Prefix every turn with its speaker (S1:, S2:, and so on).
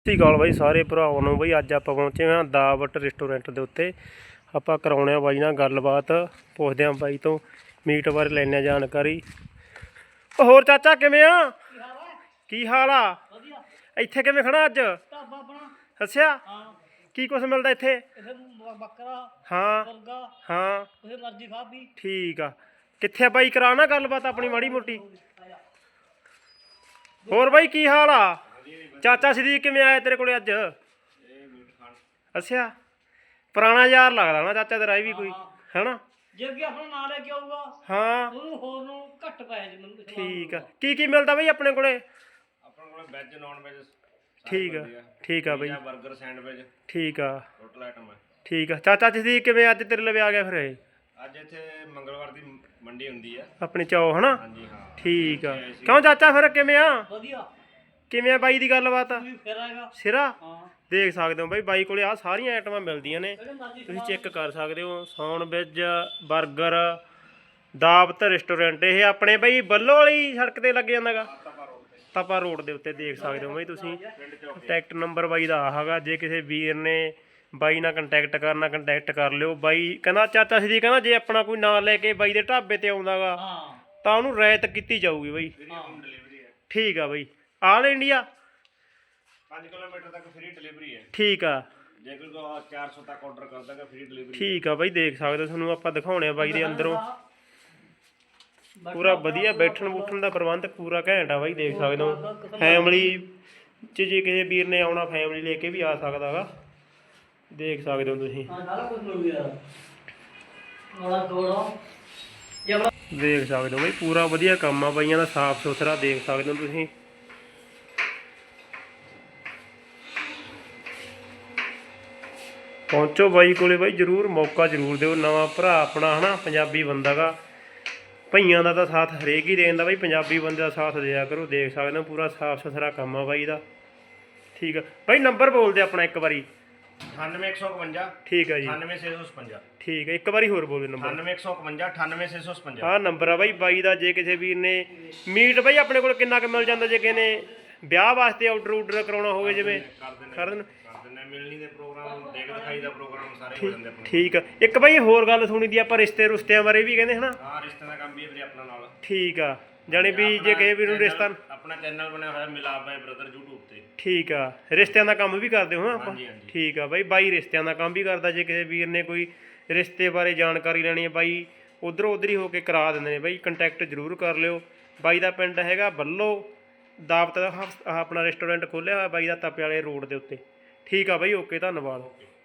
S1: ਸਤਿ ਸ਼੍ਰੀ ਅਕਾਲ ਬਾਈ ਸਾਰੇ ਭਰਾਵਾਂ ਨੂੰ। ਬਈ ਅੱਜ ਆਪਾਂ ਪਹੁੰਚੇ ਹਾਂ ਦਾਵਤ ਰੈਸਟੋਰੈਂਟ ਦੇ ਉੱਤੇ। ਆਪਾਂ ਕਰਾਉਣੇ ਆ ਬਾਈ ਨਾਲ ਗੱਲਬਾਤ, ਪੁੱਛਦੇ ਹਾਂ ਬਾਈ ਤੋਂ ਮੀਟ ਬਾਰੇ, ਲੈਣੇ ਜਾਣਕਾਰੀ। ਹੋਰ ਚਾਚਾ ਕਿਵੇਂ ਆ? ਕੀ ਹਾਲ ਆ? ਇੱਥੇ ਕਿਵੇਂ ਖੜਾ ਅੱਜ? ਅੱਛਾ, ਕੀ ਕੁਛ ਮਿਲਦਾ ਇੱਥੇ? ਹਾਂ ਹਾਂ, ਠੀਕ ਆ। ਕਿੱਥੇ ਬਾਈ ਕਰਾਉਣਾ ਗੱਲਬਾਤ ਆਪਣੀ ਮਾੜੀ ਮੋਟੀ। ਹੋਰ ਬਾਈ ਕੀ ਹਾਲ ਆ? ਚਾਚਾ ਸਦੀਕ ਕਿਵੇਂ ਆਇਆ ਤੇਰੇ ਕੋਲੇ ਅੱਜ? ਅੱਛਾ, ਪੁਰਾਣਾ ਯਾਰ ਲੱਗਦਾ ਨਾ ਚਾਚਾ ਤੇਰਾ, ਇਹ ਵੀ ਕੋਈ ਹੈਨਾ?
S2: ਜੇ ਅੱਗੇ ਆਪਣਾ ਨਾਂ ਲੈ ਕੇ ਆਊਗਾ
S1: ਹਾਂ
S2: ਉਹਨੂੰ ਹੋਰ ਨੂੰ ਘੱਟ ਪੈ ਜੇ ਮੈਨੂੰ।
S1: ਠੀਕ ਆ। ਕੀ ਮਿਲਦਾ ਬਈ ਆਪਣੇ ਕੋਲੇ?
S3: ਆਪਣੇ ਕੋਲ ਵੈਜ ਨੌਨ ਵੈਜ
S1: ਠੀਕ ਆ। ਠੀਕ ਆ ਬਈ,
S3: ਬਰਗਰ ਸੈਂਡਵਿਚ
S1: ਠੀਕ ਆ।
S3: ਟੋਟਲ ਆਈਟਮ ਹੈ।
S1: ਠੀਕ ਆ। ਚਾਚਾ ਸਦੀਕ ਕਿਵੇਂ ਅੱਜ ਤੇਰੇ ਲਵੇ ਆ ਗਿਆ ਫਿਰ? ਇਹ
S3: ਅੱਜ ਇੱਥੇ ਮੰਗਲਵਾਰ ਦੀ ਮੰਡੀ ਹੁੰਦੀ ਹੈ
S1: ਆਪਣੀ ਚੌ ਹਨਾ?
S3: ਹਾਂਜੀ ਹਾਂ।
S1: ਠੀਕ ਆ। ਕਿਉਂ ਚਾਚਾ ਫਿਰ ਕਿਵੇਂ ਆ?
S2: ਵਧੀਆ।
S1: ਕਿਵੇਂ ਆ ਬਾਈ ਦੀ ਗੱਲਬਾਤ?
S2: ਫਿਰ ਆਏਗਾ
S1: ਸਿਰਾ
S2: ਹਾਂ।
S1: ਦੇਖ ਸਕਦੇ ਹੋ ਬਾਈ, ਬਾਈ ਕੋਲੇ ਆ ਸਾਰੀਆਂ ਆਈਟਮਾਂ ਮਿਲਦੀਆਂ ਨੇ, ਤੁਸੀਂ ਚੈੱਕ ਕਰ ਸਕਦੇ ਹੋ। ਸੌਣ ਵੈਜ, ਬਰਗਰ, ਦਾਵਤ ਰੈਸਟੋਰੈਂਟ। ਇਹ ਆਪਣੇ ਬਾਈ ਬੱਲੋ ਵਾਲੀ ਸੜਕ ਤੇ ਲੱਗ ਜਾਂਦਾ ਗਾ, ਤਪਾ ਰੋਡ ਦੇ ਉੱਤੇ। ਦੇਖ ਸਕਦੇ ਹੋ ਬਾਈ ਤੁਸੀਂ। ਕੰਟੈਕਟ ਨੰਬਰ ਬਾਈ ਦਾ ਆ ਹੈਗਾ, ਜੇ ਕਿਸੇ ਵੀਰ ਨੇ ਬਾਈ ਨਾਲ ਕੰਟੈਕਟ ਕਰਨਾ ਕੰਟੈਕਟ ਕਰ ਲਿਓ। ਬਾਈ ਕਹਿੰਦਾ, ਚਾਚਾ ਸਦੀ ਕਹਿੰਦਾ, ਜੇ ਆਪਣਾ ਕੋਈ ਨਾਂ ਲੈ ਕੇ ਬਾਈ ਦੇ ਢਾਬੇ ਤੇ ਆਉਂਦਾ ਗਾ ਤਾਂ ਉਹਨੂੰ ਰਿਆਇਤ ਕੀਤੀ ਜਾਊਗੀ ਬਾਈ। ਠੀਕ ਆ ਬਾਈ। ਆਲ ਇੰਡੀਆ
S3: 5 ਕਿਲੋਮੀਟਰ ਤੱਕ ਫ੍ਰੀ ਡਿਲੀਵਰੀ ਹੈ।
S1: ਠੀਕ ਆ।
S3: ਜੇ ਕੋਈ 400 ਤੱਕ ਆਰਡਰ ਕਰਦਾ ਹੈ ਫ੍ਰੀ ਡਿਲੀਵਰੀ।
S1: ਠੀਕ ਆ ਬਾਈ, ਦੇਖ ਸਕਦੇ ਹੋ। ਤੁਹਾਨੂੰ ਆਪਾਂ ਦਿਖਾਉਣੇ ਆ ਬਾਈ ਦੇ ਅੰਦਰੋਂ ਪੂਰਾ ਵਧੀਆ ਬੈਠਣ ਬੂਠਣ ਦਾ ਪ੍ਰਬੰਧ ਪੂਰਾ ਘੈਂਟ ਆ ਬਾਈ, ਦੇਖ ਸਕਦੇ ਹੋ। ਫੈਮਿਲੀ 'ਚ ਜੇ ਕਿਸੇ ਵੀਰ ਨੇ ਆਉਣਾ, ਫੈਮਿਲੀ ਲੈ ਕੇ ਵੀ ਆ ਸਕਦਾ ਗਾ, ਦੇਖ ਸਕਦੇ ਹੋ ਤੁਸੀਂ। ਦੇਖ ਸਕਦੇ ਹੋ ਬਾਈ, ਪੂਰਾ ਵਧੀਆ ਕੰਮ ਆ ਬਾਈਆਂ ਦਾ, ਸਾਫ ਸੁਥਰਾ। ਦੇਖ ਸਕਦੇ ਹੋ ਤੁਸੀਂ। ਪਹੁੰਚੋ ਬਾਈ ਕੋਲੇ ਬਾਈ, ਜ਼ਰੂਰ ਮੌਕਾ ਜ਼ਰੂਰ ਦਿਓ। ਨਵਾਂ ਭਰਾ ਆਪਣਾ ਹੈ ਨਾ, ਪੰਜਾਬੀ ਬੰਦਾ ਗਾ। ਭਈਆਂ ਦਾ ਤਾਂ ਸਾਥ ਹਰੇਕ ਹੀ ਦੇਣ ਦਾ ਬਾਈ, ਪੰਜਾਬੀ ਬੰਦੇ ਦਾ ਸਾਥ ਦਿਆ ਕਰੋ। ਦੇਖ ਸਕਦੇ ਹੋ ਪੂਰਾ ਸਾਫ ਸੁਥਰਾ ਕੰਮ ਆ ਬਾਈ ਦਾ। ਠੀਕ ਆ ਬਾਈ, ਨੰਬਰ ਬੋਲਦੇ ਆਪਣਾ ਇੱਕ ਵਾਰੀ।
S3: 98151।
S1: ਠੀਕ ਆ ਜੀ।
S3: 98655।
S1: ਠੀਕ ਹੈ, ਇੱਕ ਵਾਰੀ ਹੋਰ ਬੋਲ ਦਿਓ ਨੰਬਰ।
S3: 98151 98655।
S1: ਆਹ ਨੰਬਰ ਆ ਬਾਈ, ਬਾਈ ਦਾ। ਜੇ ਕਿਸੇ ਵੀਰ ਨੇ ਮੀਟ ਬਾਈ ਆਪਣੇ ਕੋਲ ਕਿੰਨਾ ਕੁ ਮਿਲ ਜਾਂਦਾ? ਜੇ ਕਿਸੇ ਨੇ ਵਿਆਹ ਵਾਸਤੇ ਆਰਡਰ ਕਰਾਉਣਾ ਹੋਵੇ, ਜਿਵੇਂ ਕਰ ਦੇਣ।
S3: ਮਿਲਣੀ ਦੇ ਪ੍ਰੋਗਰਾਮ, ਦੇਖ ਦਿਖਾਈ ਦਾ ਪ੍ਰੋਗਰਾਮ ਸਾਰੇ ਹੋ ਜਾਂਦੇ ਆਪਣੇ।
S1: ਠੀਕ ਆ। ਇੱਕ ਬਾਈ ਹੋਰ ਗੱਲ ਸੁਣੀ ਦੀ ਆਪਾਂ, ਰਿਸ਼ਤੇ ਰੁਸ਼ਤਿਆਂ ਬਾਰੇ ਵੀ ਕਹਿੰਦੇ ਹਨਾ?
S3: ਹਾਂ, ਰਿਸ਼ਤੇ ਦਾ ਕੰਮ ਵੀ ਹੈ ਵੀਰੇ ਆਪਣਾ ਨਾਲ।
S1: ਠੀਕ ਆ। ਜਾਣੀ ਵੀ ਜੇ ਕਿਸੇ ਵੀਰ ਨੂੰ ਰਿਸ਼ਤਾ,
S3: ਆਪਣਾ ਚੈਨਲ ਬਣਿਆ ਹੋਇਆ ਮਿਲਾਪ ਬਾਈ ਬ੍ਰਦਰ YouTube ਤੇ।
S1: ਠੀਕ ਆ। ਰਿਸ਼ਤਿਆਂ ਦਾ ਕੰਮ ਵੀ ਕਰਦੇ ਹੋ ਆਪਾਂ?
S3: ਹਾਂਜੀ ਹਾਂਜੀ।
S1: ਠੀਕ ਆ ਬਾਈ, ਬਾਈ ਰਿਸ਼ਤਿਆਂ ਦਾ ਕੰਮ ਵੀ ਕਰਦਾ। ਜੇ ਕਿਸੇ ਵੀਰ ਨੇ ਕੋਈ ਰਿਸ਼ਤੇ ਬਾਰੇ ਜਾਣਕਾਰੀ ਲੈਣੀ ਹੈ ਬਾਈ, ਉੱਧਰੋਂ ਉੱਧਰ ਹੀ ਹੋ ਕੇ ਕਰਾ ਦਿੰਦੇ ਨੇ ਬਾਈ। ਕੰਟੈਕਟ ਜ਼ਰੂਰ ਕਰ ਲਿਓ। ਬਾਈ ਦਾ ਪਿੰਡ ਹੈਗਾ ਬੱਲੋ। ਦਾਵਤ ਦਾ ਆਪਣਾ ਰੈਸਟੋਰੈਂਟ ਖੋਲ੍ਹਿਆ ਹੋਇਆ ਬਾਈ ਦਾ, ਤਪੇ ਵਾਲੇ ਰੋਡ ਦੇ ਉੱਤੇ। ਠੀਕ ਆ ਬਾਈ, ਓਕੇ, ਧੰਨਵਾਦ।